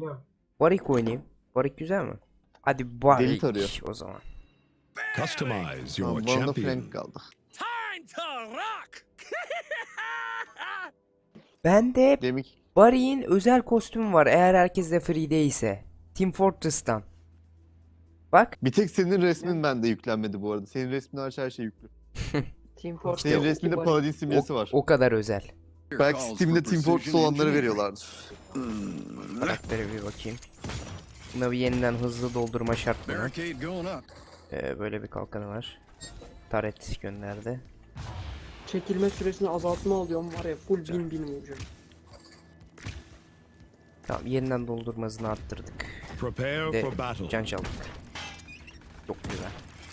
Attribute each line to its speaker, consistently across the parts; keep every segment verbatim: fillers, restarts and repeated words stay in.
Speaker 1: Warwick oynayayım. Warwick güzel mi? Hadi
Speaker 2: Deli tarıyor.
Speaker 1: Warwick o zaman.
Speaker 3: Customize your
Speaker 2: Tamam, bana da
Speaker 3: champion.
Speaker 2: Frank kaldı.
Speaker 1: Bende
Speaker 2: Demik.
Speaker 1: Warwick'in özel kostümü var eğer herkes de free ise. Team Fortress'tan. Bak.
Speaker 2: Bir tek senin resmin bende yüklenmedi bu arada. Senin resmin hariç her şey yüklü.
Speaker 4: Team Fortress.
Speaker 2: Senin resminde Paladin simgesi
Speaker 1: O,
Speaker 2: var.
Speaker 1: o kadar özel.
Speaker 2: Belki Steam'de Team Fortress olanları veriyorlardır.
Speaker 1: Karakteri bir bakayım. Buna bir yeniden hızlı doldurma şart buna.
Speaker 3: Barricade going up.
Speaker 1: Ee, böyle bir kalkanı var. Taret gönderdi.
Speaker 4: Çekilme süresini azaltma alıyorum var ya full bin bin vuracağım.
Speaker 1: Tamam, yeniden doldurma hızını arttırdık.
Speaker 3: Prepare
Speaker 1: De
Speaker 3: for battle.
Speaker 1: can çaldık. Çok güzel.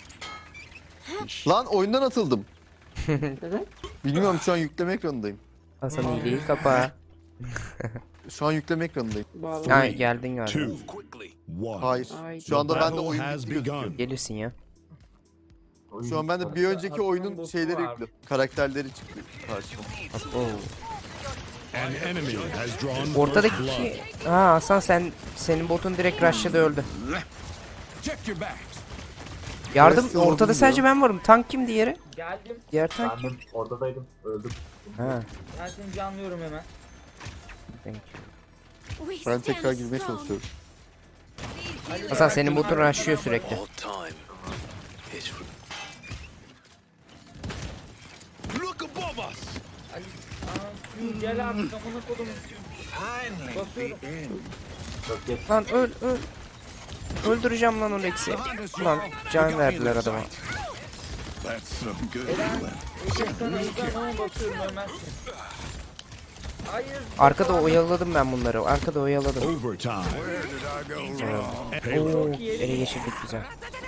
Speaker 2: Lan oyundan atıldım.
Speaker 4: Neden?
Speaker 2: Bilmiyorum, şu an yükleme ekranındayım.
Speaker 1: Hasan iyiliği kapa.
Speaker 2: Şu an yükleme ekranındayım.
Speaker 4: Bağlı.
Speaker 1: Ha, geldin galiba.
Speaker 3: Two, one.
Speaker 2: Hayır.
Speaker 4: Ay.
Speaker 2: Şu anda bende
Speaker 3: Battle
Speaker 2: oyun
Speaker 3: has
Speaker 2: bitti gözüküyor.
Speaker 3: begun.
Speaker 1: Gelirsin ya.
Speaker 2: Şu an bende bir önceki oyunun şeyleri yüklü. Karakterleri çıktı karşıma.
Speaker 1: Oo.
Speaker 3: An enemy has drawn first
Speaker 1: Ortadaki
Speaker 3: blood.
Speaker 1: kişi... Ha Hasan, sen senin botun direkt rush'ta öldü.
Speaker 3: Check your backs.
Speaker 1: Yardım,
Speaker 2: Burası
Speaker 1: ortada
Speaker 2: oldu
Speaker 1: sadece
Speaker 2: diyor.
Speaker 1: ben varım. Tank kim diğeri?
Speaker 5: Geldim.
Speaker 1: Diğer tank kim?
Speaker 6: Ben de oradaydım, öldüm.
Speaker 1: Ha.
Speaker 5: Ben seni canlıyorum hemen.
Speaker 1: Thank you.
Speaker 2: Ben tekrar girmeye çalışıyorum.
Speaker 1: Hasan, senin botun rushlıyor sürekli.
Speaker 3: Look above us.
Speaker 5: Ali, aa, gel abi kafana kodum. Basıyorum.
Speaker 6: Çok geç.
Speaker 1: Lan öl öl. Öldüreceğim lan o Lex'i. Lan can verdiler adama.
Speaker 3: That's some good
Speaker 5: Eren,
Speaker 3: feeling.
Speaker 5: Eren sana uzan ama basıyorum ölmezsin. Hayır.
Speaker 1: Arkada oyaladım ben bunları. Arkada oyaladım.
Speaker 3: Overtime. Where did I go wrong?
Speaker 1: Oo,
Speaker 3: Payload.
Speaker 1: ele geçirdik güzel.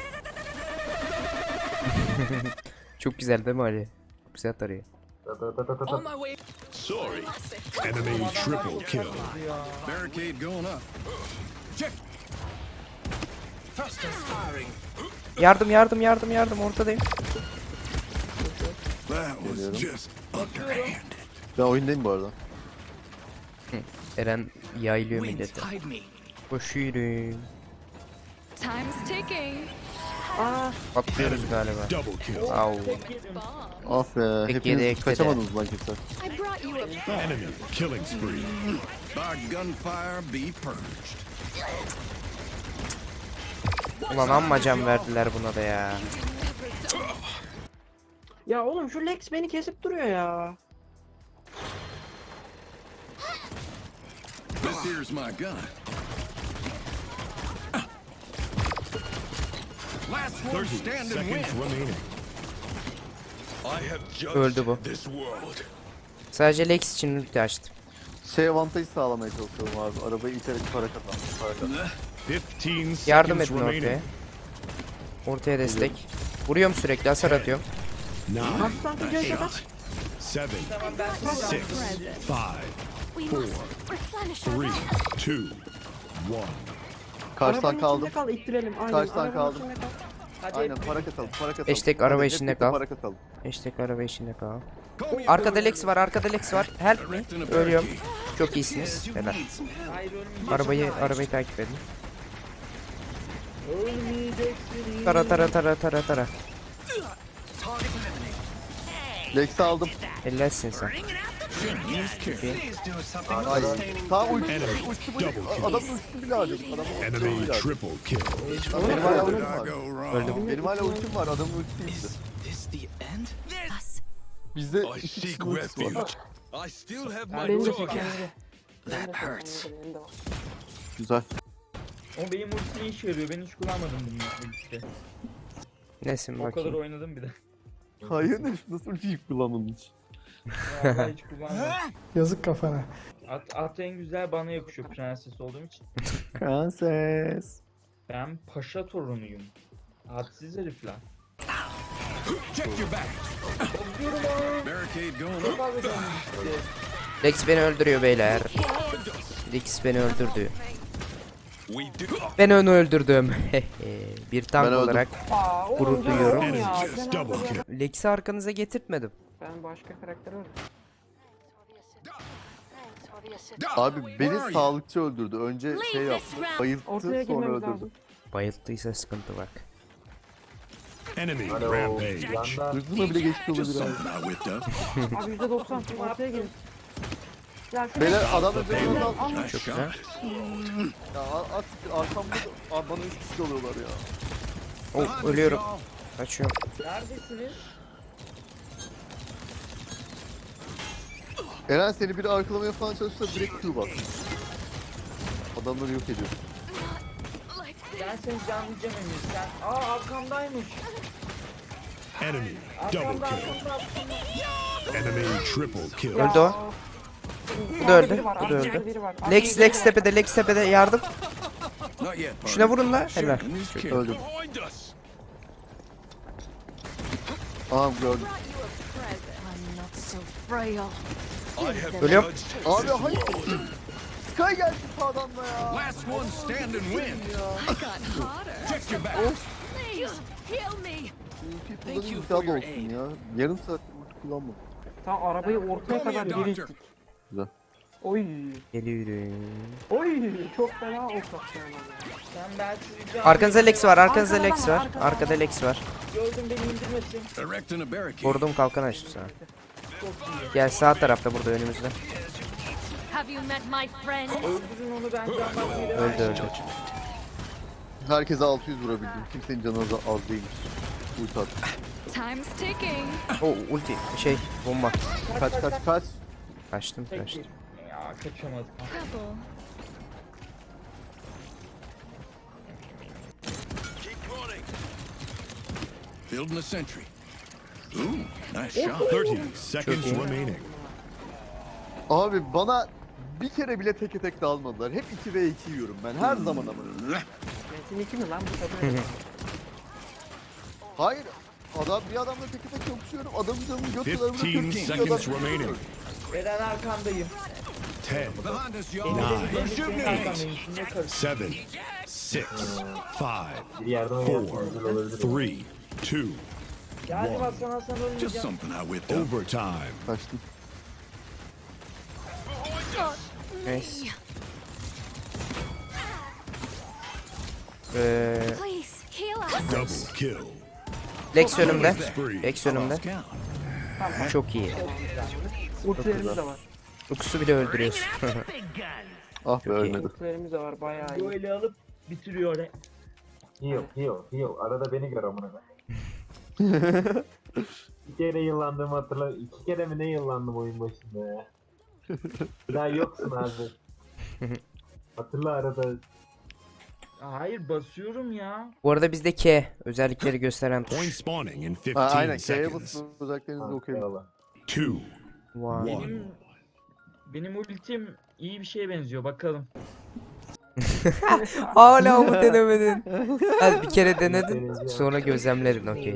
Speaker 1: Çok güzel değil mi Ali? Çok güzel tarıyor.
Speaker 6: Da da da da da da.
Speaker 3: Sorry. Enemy triple kill.
Speaker 5: Ya.
Speaker 3: Barricade going up. Check.
Speaker 1: Yardım yardım yardım yardım, ortadayım.
Speaker 3: That was
Speaker 2: Geliyorum.
Speaker 3: just underhanded.
Speaker 2: Ben oyundayım bu arada.
Speaker 1: Eren yaylıyor milleti. Koşuyorum.
Speaker 7: Time's ticking.
Speaker 1: Patlıyoruz galiba.
Speaker 3: Double kill.
Speaker 1: Au.
Speaker 2: Ah be,
Speaker 1: Tek yedi,
Speaker 2: hepiniz
Speaker 1: ek
Speaker 2: kaçamadınız lan kimse.
Speaker 7: I brought you a
Speaker 3: Enemy killing spree. By gunfire be purged.
Speaker 1: Ulan amma can verdiler buna da ya.
Speaker 4: Ya oğlum şu Lex beni kesip duruyor ya.
Speaker 3: This here's my gun. Last one standing seconds remaining. I have judged
Speaker 1: Öldü bu.
Speaker 3: this world.
Speaker 1: Sadece Lex için ulti açtım.
Speaker 2: Şey avantajı sağlamaya çalışıyorum abi. Arabayı iterek para kazan. Para kazan.
Speaker 3: fifteen
Speaker 1: Yardım
Speaker 3: seconds
Speaker 1: edin ortaya.
Speaker 3: remaining.
Speaker 1: Ortaya destek. Vuruyorum sürekli, hasar atıyorum.
Speaker 3: Nine,
Speaker 4: Aslan videoya kadar.
Speaker 3: seven, six, five,
Speaker 7: We
Speaker 3: four,
Speaker 7: must replenish our
Speaker 3: three,
Speaker 7: bags.
Speaker 3: two, one.
Speaker 2: Karşıdan
Speaker 4: Arabanın
Speaker 2: kaldım.
Speaker 4: içinde kal, ittirelim. Aynen,
Speaker 2: Karşıdan
Speaker 4: arabanın
Speaker 2: kaldım.
Speaker 4: içinde kal.
Speaker 5: Hadi
Speaker 2: Aynen,
Speaker 5: hep-
Speaker 2: para katalım, para katalım.
Speaker 1: Hashtag
Speaker 2: Hadi,
Speaker 1: araba
Speaker 2: hep
Speaker 1: içinde
Speaker 2: birlikte
Speaker 1: kal.
Speaker 2: Para katalım.
Speaker 1: İşte araba içinde kal.
Speaker 3: Call me
Speaker 1: Arkada Lex var, arkada Lex var. Help me. Ölüyorum. Çok iyisiniz. Helal.
Speaker 5: Hayır ölmeyeceksin.
Speaker 1: Arabayı arabayı takip edin.
Speaker 5: Ölmeyeceksin.
Speaker 1: Tara tara tara tara tara.
Speaker 2: Lex'i aldım.
Speaker 1: Ellersin sen.
Speaker 2: Ay, tamam ulti,
Speaker 3: Enemy
Speaker 2: ulti
Speaker 3: double
Speaker 2: bile.
Speaker 3: kill.
Speaker 2: Adamın ultisini bile harcadım. Adamın ultisini
Speaker 3: Enemy
Speaker 2: bile harcadım.
Speaker 3: triple kill.
Speaker 2: Benim hala ultim
Speaker 3: Where
Speaker 2: var.
Speaker 3: did I go wrong?
Speaker 1: Öldüm.
Speaker 2: Benim hala ultim var. Adamın ultisi iyiydi.
Speaker 7: Us.
Speaker 2: Bizde
Speaker 3: I
Speaker 2: iki
Speaker 3: seek
Speaker 2: kişinin ultisi
Speaker 3: refuge.
Speaker 2: var.
Speaker 3: I still have my
Speaker 4: Benim de
Speaker 3: dog.
Speaker 4: çekelim.
Speaker 7: That hurts.
Speaker 2: Güzel.
Speaker 5: O benim ulti ne işe yarıyor? Ben hiç kullanmadım bunu ultide.
Speaker 1: Nesin
Speaker 5: O kadar
Speaker 1: bakayım.
Speaker 5: oynadım bir de.
Speaker 2: Hayır, ne? Nasıl ultiyi kullanmadın hiç?
Speaker 5: Vallahi hiç kullanmadım.
Speaker 8: Yazık kafana.
Speaker 5: At, at en güzel bana yakışıyor prenses olduğum için.
Speaker 2: Prenses.
Speaker 5: Ben paşa torunuyum. Hadsiz herifler.
Speaker 3: Check your back. Barricade going up.
Speaker 5: Abi dönmüştü.
Speaker 1: Lex beni öldürüyor beyler. Lex beni öldürdü.
Speaker 3: We do.
Speaker 1: Ben onu öldürdüm. Bir tank
Speaker 2: Ben öldüm.
Speaker 1: olarak
Speaker 4: Aa, oğlum
Speaker 1: gurur
Speaker 4: ya,
Speaker 1: duyuyorum.
Speaker 4: oğlum
Speaker 3: Enemy
Speaker 4: ya,
Speaker 3: just
Speaker 4: ben
Speaker 3: double
Speaker 4: arkadan-
Speaker 3: kill.
Speaker 1: Lex'i arkanıza getirtmedim.
Speaker 4: Ben başka karakter öldüm.
Speaker 7: the assist.
Speaker 2: Abi beni sağlıkçı öldürdü. Önce şey yaptı. Bayılttı
Speaker 4: Ortaya
Speaker 2: sonra
Speaker 4: girmemiz
Speaker 2: öldürdü.
Speaker 4: lazım.
Speaker 1: Bayılttıysa sıkıntı bak.
Speaker 3: Enemy
Speaker 6: Alo.
Speaker 3: rampage.
Speaker 6: Yanda.
Speaker 2: Hırzına bile geçti
Speaker 3: Just
Speaker 2: olabilir abi.
Speaker 3: something I whipped up.
Speaker 4: Abi yüzde doksan ortaya gelin. Ya şu
Speaker 2: Beyler adam da canını al.
Speaker 3: Nice
Speaker 1: Çok
Speaker 3: shot.
Speaker 1: güzel.
Speaker 2: Ya a- az siktir arkamda da- Abi bana üç kişi oluyorlar ya.
Speaker 1: Oh, ölüyorum. Kaçıyorum.
Speaker 5: Neredesiniz?
Speaker 2: Eren seni biri arkalamaya falan çalışsa direkt Q bas. Adamları yok ediyor.
Speaker 5: Ben seni canlayacağım Emir. Sen... Aa arkamdaymış.
Speaker 3: Enemy double
Speaker 5: Arkamda
Speaker 3: kill.
Speaker 5: arkamda arkamda.
Speaker 3: Enemy triple kill.
Speaker 1: Öldü o. Bu da öldü. Bu da öldü. Lex, Lex tepede, Lex tepede yardım.
Speaker 3: Not yet.
Speaker 1: Şuna vurun la. Helal.
Speaker 2: Öldüm.
Speaker 3: Behind us.
Speaker 2: Aha gördüm.
Speaker 7: I'm not so frail.
Speaker 3: I have
Speaker 1: Ölüyorum.
Speaker 3: judged
Speaker 2: Abi
Speaker 3: this
Speaker 2: hayır.
Speaker 3: war.
Speaker 2: Sky geldi sağdan da ya.
Speaker 3: Last one stand and win. Check your back.
Speaker 7: Please heal me.
Speaker 2: People'ların iddialı olsun ya. Yarım saattir ulti kullanmadım.
Speaker 4: Tam arabayı ortaya
Speaker 3: Call me a
Speaker 4: kadar
Speaker 3: doctor.
Speaker 4: dirilttik.
Speaker 2: Güzel.
Speaker 4: Oy.
Speaker 1: Geliyorum.
Speaker 4: Oy. Çok fena okak yani.
Speaker 5: Sen belki rica
Speaker 1: Arkanızda Lex var, arkanızda
Speaker 4: Arkada
Speaker 1: Lex
Speaker 4: var,
Speaker 1: var.
Speaker 4: arkada
Speaker 1: Arkada Lex var.
Speaker 5: gördüm beni indirmesin.
Speaker 3: Erecting a barricade.
Speaker 1: Vurdum kalkan açtı sana.
Speaker 5: Çok iyi.
Speaker 1: Gel sağ tarafta burada önümüzde.
Speaker 7: Have you met my friend?
Speaker 5: Öldürün onu ben candan biri.
Speaker 1: Öldü öldü.
Speaker 2: Herkese altı yüz vurabildim. Kimsenin canı az, az değilmiş. Ulti attı.
Speaker 7: Time's ticking.
Speaker 1: O ulti şey bomba.
Speaker 2: Kaç kaç kaç.
Speaker 1: Kaçtım
Speaker 5: Tek
Speaker 1: kaçtım.
Speaker 5: bir. Ya kaçamadım.
Speaker 7: Trouble.
Speaker 3: Building a sentry. Ooh, nice shot. thirty seconds
Speaker 1: iyi.
Speaker 3: remaining.
Speaker 2: Abi bana bir kere bile teke tek dalmadılar. Hep iki ve iki yiyorum ben her zaman ama.
Speaker 4: Metin iki mi lan bu sefer?
Speaker 2: Hayır. Adam bir adamla teke tek kapışıyorum. Adamın canını götürüyorum.
Speaker 3: fifteen seconds remaining.
Speaker 5: Eren arkandayım.
Speaker 3: ten,
Speaker 5: Benim
Speaker 3: nine,
Speaker 5: senin arkandayım. Şimdi karıştı.
Speaker 3: seven, six, five,
Speaker 6: Bir yerden oynarsanız
Speaker 3: four,
Speaker 6: güzel olabilir.
Speaker 3: three, two.
Speaker 5: Yani Hasan Hasan
Speaker 3: Just
Speaker 5: ölmeyeceğim.
Speaker 3: something I whipped up. Overtime.
Speaker 2: Kaçtım.
Speaker 1: Neyse. Ee,
Speaker 7: Please heal us.
Speaker 3: Double kill.
Speaker 1: Lex önümde.
Speaker 3: Spree.
Speaker 1: Lex önümde.
Speaker 3: Lost count.
Speaker 1: Çok iyi.
Speaker 4: Ultilerimiz de var.
Speaker 1: Lux'u bile öldürüyorsun.
Speaker 2: Ah be ölmedi.
Speaker 4: Ultilerimiz de var bayağı iyi.
Speaker 5: Böyle alıp bitiriyor. Eren.
Speaker 6: Heal, heal, heal. Arada beni gör amına koyayım. Bir kere yıllandığımı hatırla. İki kere mi ne yıllandım oyun başında ya. Bir daha yoksun abi. Hatırla arada.
Speaker 5: Hayır basıyorum ya.
Speaker 1: Bu arada bizde K özellikleri gösteren
Speaker 3: Point
Speaker 1: tuş.
Speaker 3: spawning in
Speaker 2: Ha,
Speaker 3: fifteen
Speaker 2: aynen. K'ye
Speaker 3: seconds.
Speaker 2: basın özelliklerinizi
Speaker 6: Ha,
Speaker 2: okuyun.
Speaker 6: eyvallah.
Speaker 3: Two,
Speaker 1: Wow.
Speaker 3: one.
Speaker 5: Benim benim ultim iyi bir şeye benziyor bakalım.
Speaker 1: Hala mı denemedin? Hadi bir kere denedin sonra gözlemledin okey.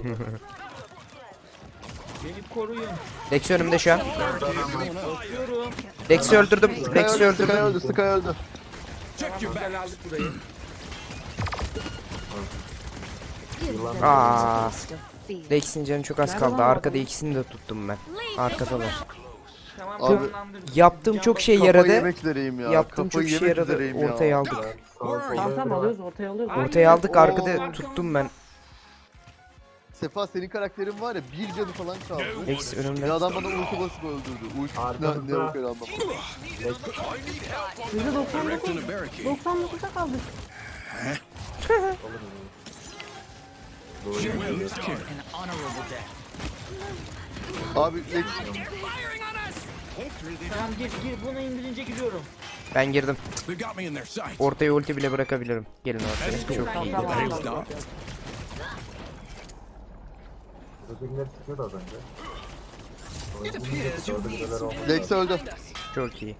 Speaker 5: Beni koruyun.
Speaker 1: Lex önümde şu an.
Speaker 5: Basıyorum.
Speaker 1: Lex'i öldürdüm.
Speaker 2: Sky
Speaker 1: Lex'i
Speaker 2: öldü, Sky
Speaker 1: öldürdüm.
Speaker 2: öldü, Sky öldü.
Speaker 3: Check your
Speaker 5: Güzel
Speaker 3: back.
Speaker 5: aldık burayı.
Speaker 7: Give them
Speaker 1: Aa.
Speaker 7: a taste of fear.
Speaker 1: Lex'in canı çok az
Speaker 4: Nerede
Speaker 1: kaldı.
Speaker 4: lan
Speaker 1: Arkada
Speaker 4: adam?
Speaker 1: ikisini de tuttum ben.
Speaker 7: Leave
Speaker 1: Arkadalar.
Speaker 5: Tamam
Speaker 2: Abi,
Speaker 5: canlandır.
Speaker 1: Yaptığım
Speaker 5: Can
Speaker 1: çok
Speaker 5: bas-
Speaker 1: şey
Speaker 2: Kafayı
Speaker 1: yaradı.
Speaker 2: yemek üzereyim ya.
Speaker 1: Yaptığım çok
Speaker 2: Kafayı
Speaker 1: şey
Speaker 2: yemek
Speaker 1: yaradı.
Speaker 2: üzereyim ya.
Speaker 1: Ortaya aldık.
Speaker 3: Where are
Speaker 4: Tamam
Speaker 3: you?
Speaker 4: tamam alıyoruz ortaya alıyoruz.
Speaker 1: Ortaya aldık.
Speaker 5: Oo.
Speaker 1: Arkada tuttum ben.
Speaker 2: Sefa senin karakterin var ya bir canı falan kaldı.
Speaker 1: Lex önümde.
Speaker 2: Bir adam bana ulti basıp öldürdü. Ulti ne,
Speaker 6: Arkamızda.
Speaker 2: ne yok öyle anlamadım.
Speaker 4: yüzde doksan
Speaker 3: Erecting
Speaker 4: dokuz.
Speaker 3: a barricade.
Speaker 4: doksan dokuzda kaldık.
Speaker 3: She will kill.
Speaker 2: Abi Lex
Speaker 5: Tamam gir gir bunu indirince gidiyorum.
Speaker 1: Ben girdim.
Speaker 3: They got me in their sights.
Speaker 1: Ortaya ulti bile bırakabilirim. Gelin ortaya. Çok iyi.
Speaker 4: Tamam,
Speaker 3: They
Speaker 4: tamam.
Speaker 3: stopped.
Speaker 6: Ötekiler çıkıyordu az önce. Orada bir şeyler oldu.
Speaker 2: Lex öldü.
Speaker 1: Çok iyi.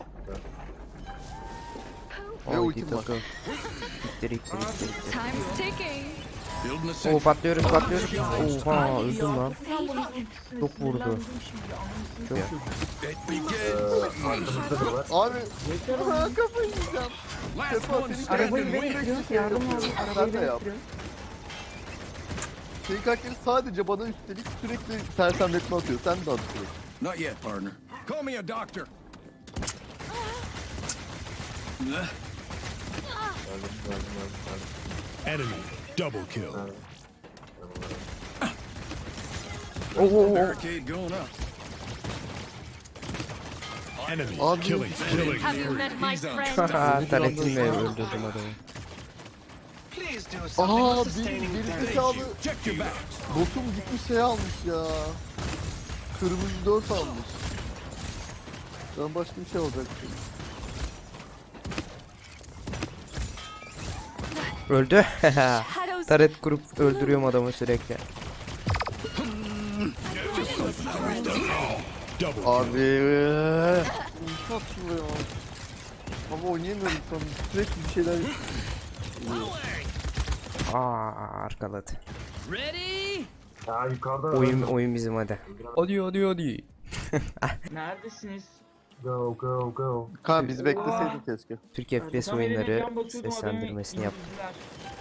Speaker 2: Ve
Speaker 1: Haydi
Speaker 2: ultim var.
Speaker 1: takıl. İttir ittir ittir ittir.
Speaker 7: Time's ticking.
Speaker 3: Building a
Speaker 1: Oo
Speaker 3: sentry.
Speaker 1: patlıyoruz patlıyoruz. Oha öldüm lan. Çok vurdu. Çok
Speaker 3: It begins.
Speaker 6: Arkamızda da var.
Speaker 2: Abi ha, kafayı yiyeceğim.
Speaker 3: Last
Speaker 2: Sefa
Speaker 3: one
Speaker 2: senin
Speaker 3: stand
Speaker 4: Arabayı
Speaker 3: and
Speaker 4: ben
Speaker 3: win.
Speaker 4: getiriyoruz. Yardım lazım.
Speaker 2: Sen
Speaker 4: Arabayı
Speaker 2: de
Speaker 4: ben
Speaker 2: yap.
Speaker 4: getiriyorum.
Speaker 2: Senin karakteri sadece bana üstelik sürekli sersemletme atıyor. Sen de at sürekli.
Speaker 3: Not yet, partner. Call me a doctor.
Speaker 6: Geldim geldim geldim. geldim.
Speaker 3: Enemy double kill.
Speaker 6: Geldim.
Speaker 3: Barricade going up. Enemy
Speaker 2: Abi,
Speaker 3: killing, killing.
Speaker 7: Have you met my friend?
Speaker 1: Haha taretimle öldürdüm adamı.
Speaker 2: Aa bir geri zekalı
Speaker 3: Check your back.
Speaker 2: botum gitmiş şey almış ya. Kırmızı dört almış. Ben başka bir şey alacaktım.
Speaker 1: Öldü.
Speaker 7: Shadows.
Speaker 1: Taret kurup öldürüyorum adamı sürekli.
Speaker 3: Double kill.
Speaker 2: Abi. Ne satılıyor? Ama oynayamıyorum şu an. Sürekli bir şeyler...
Speaker 1: Aa arkaladı.
Speaker 6: Ya yukarıda
Speaker 1: Oyun
Speaker 6: öldüm.
Speaker 1: oyun bizim hadi. Hadi hadi hadi.
Speaker 5: Neredesiniz?
Speaker 6: Go go go.
Speaker 2: Kanka biz bekleseydik keşke.
Speaker 1: Türk F P S
Speaker 5: Tam elime
Speaker 1: oyunları
Speaker 5: can basıyordum, adamı
Speaker 1: seslendirmesini yap.
Speaker 5: indirdiler.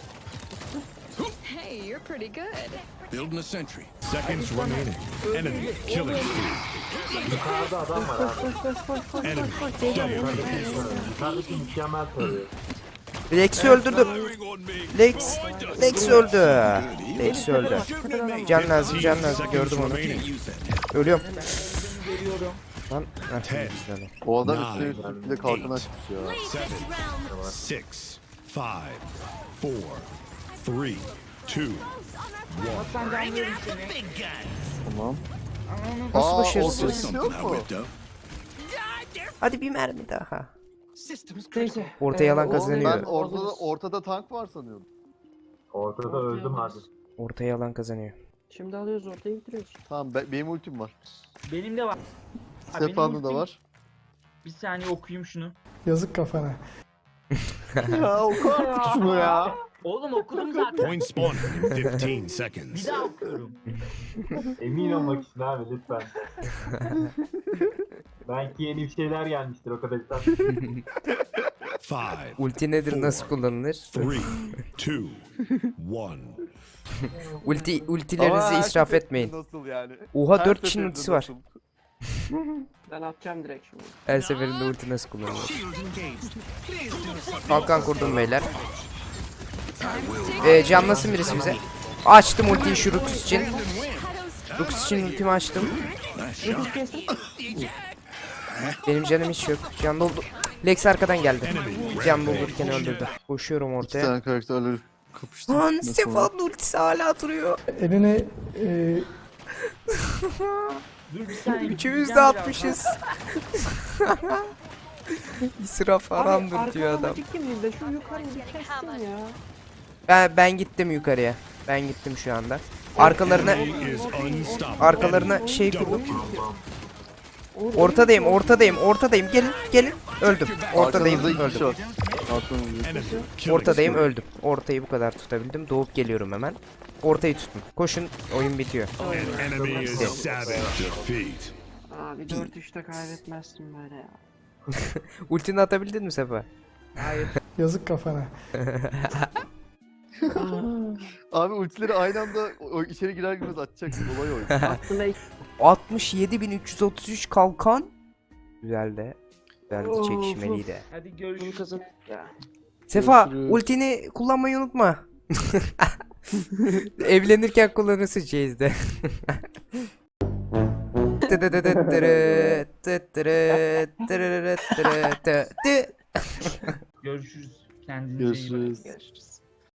Speaker 7: Hey, you're pretty good.
Speaker 3: Building a sentry. Seconds remaining. Enemy killing spree.
Speaker 6: Yukarıda adam var abi.
Speaker 3: Enemy double kill.
Speaker 6: Yukarıdaki mükemmel tarıyor.
Speaker 1: Lex'i öldürdüm.
Speaker 3: Firing on me.
Speaker 1: Lex, Lex öldü. Lex öldü.
Speaker 3: Shooting at me.
Speaker 1: Can lazım, can lazım.
Speaker 3: Seconds
Speaker 1: Gördüm onu.
Speaker 3: remaining.
Speaker 1: Ölüyorum.
Speaker 5: Ben görüyorum.
Speaker 1: Lan. Heh,
Speaker 3: Ten.
Speaker 1: bizden o.
Speaker 2: O adam
Speaker 3: Nine.
Speaker 2: üstüne üstlük bir de kalkan açmış ya.
Speaker 7: Leave this
Speaker 3: Seven.
Speaker 7: round.
Speaker 3: Six, five, four, three, two,
Speaker 5: Bak ben canlıyorum seni.
Speaker 2: Tamam.
Speaker 5: Ananı
Speaker 1: Nasıl
Speaker 2: Aa,
Speaker 1: başarısız?
Speaker 2: orada bir şey yok
Speaker 3: I
Speaker 2: mu?
Speaker 3: whipped up.
Speaker 1: Hadi bir mermi daha.
Speaker 4: Neyse.
Speaker 1: Orta yalan
Speaker 4: Ee,
Speaker 1: kazanıyor.
Speaker 2: Ben
Speaker 4: Hazırız.
Speaker 2: ortada, ortada tank var sanıyordum.
Speaker 6: Ortada öldüm abi.
Speaker 1: Orta yalan kazanıyor.
Speaker 4: Şimdi alıyoruz ortaya bitiriyoruz.
Speaker 2: Tamam be- benim ultim var.
Speaker 5: Benim de var. Ha, benim
Speaker 2: Stefano'da da
Speaker 5: ultim-
Speaker 2: var.
Speaker 5: Bir saniye okuyayım şunu.
Speaker 8: Yazık kafana.
Speaker 2: Ya oku artık şunu ya.
Speaker 5: Oğlum okudum zaten.
Speaker 3: Point spawning in fifteen
Speaker 5: Bir
Speaker 3: seconds.
Speaker 5: daha okuyorum.
Speaker 6: Emin olmak için abi lütfen. Belki yeni bir şeyler gelmiştir o kadar.
Speaker 3: Five,
Speaker 1: Ulti nedir, nasıl kullanılır?
Speaker 3: three, two, one.
Speaker 1: Ulti,
Speaker 2: Ama
Speaker 1: ultilerinizi
Speaker 2: her
Speaker 1: israf
Speaker 2: seferinde
Speaker 1: etmeyin.
Speaker 2: Nasıl yani?
Speaker 1: Oha
Speaker 2: Her
Speaker 1: dört kişinin
Speaker 2: seferinde
Speaker 1: ultisi var.
Speaker 2: nasıl?
Speaker 4: Ben atacağım direkt şimdi.
Speaker 1: Her seferinde ulti nasıl kullanılır? Kalkan kurdum beyler. Ee, canlasın birisi bize. Açtım ultiyi şu Rux için. Rux için ultimi açtım. Benim canım hiç yok. Can doldu. Lex arkadan geldi. Can doldururken öldürdü. Koşuyorum
Speaker 2: İki
Speaker 1: ortaya.
Speaker 2: tane karakterleri kapıştı.
Speaker 1: Lan
Speaker 2: Nasıl
Speaker 1: Stefan ultisi hala duruyor.
Speaker 8: Elini e,
Speaker 5: Dur bir saniye.
Speaker 1: Üçümüz de
Speaker 5: gideceğim
Speaker 1: atmışız. İsraf haramdır diyor adam.
Speaker 4: Arka kimliğinde şu yukarıyı bir kestin ya.
Speaker 1: Ben, ben gittim yukarıya. Ben gittim şu anda. Arkalarına
Speaker 3: Enemy is unstoppable.
Speaker 1: arkalarına şey
Speaker 3: Double
Speaker 1: kurdum.
Speaker 3: kill.
Speaker 1: Ortadayım, ortadayım, ortadayım. Gelin, gelin. Öldüm. Ortadayım,
Speaker 2: Arkanızda iki kişi
Speaker 1: öldüm.
Speaker 2: var. Arkanızda.
Speaker 3: Enemy killing
Speaker 1: Ortadayım,
Speaker 3: spree.
Speaker 1: öldüm. Ortayı bu kadar tutabildim. Doğup geliyorum hemen. Ortayı tutun. Koşun, oyun bitiyor.
Speaker 3: An enemy is savage defeat.
Speaker 4: Abi dört üçte kaybetmezsin böyle ya.
Speaker 1: Ultini atabildin mi Sefa?
Speaker 8: yazık kafana.
Speaker 2: Abi ultileri aynı anda o içeri girer girmez atacaksın. Olay o.
Speaker 4: Aklına ilk
Speaker 1: altmış yedi bin üç yüz otuz üç kalkan. Güzel de. Güzel de
Speaker 4: Of,
Speaker 1: çekişmeliydi.
Speaker 5: Hadi
Speaker 4: bunu
Speaker 5: görüşürüz.
Speaker 4: kazan. Ya.
Speaker 1: Sefa,
Speaker 2: Görüşürüz.
Speaker 1: ultini kullanmayı unutma. Evlenirken kullanırsın Chase'de.
Speaker 5: Görüşürüz. Kendinize iyi bakın.
Speaker 2: Görüşürüz.
Speaker 4: Görüşürüz.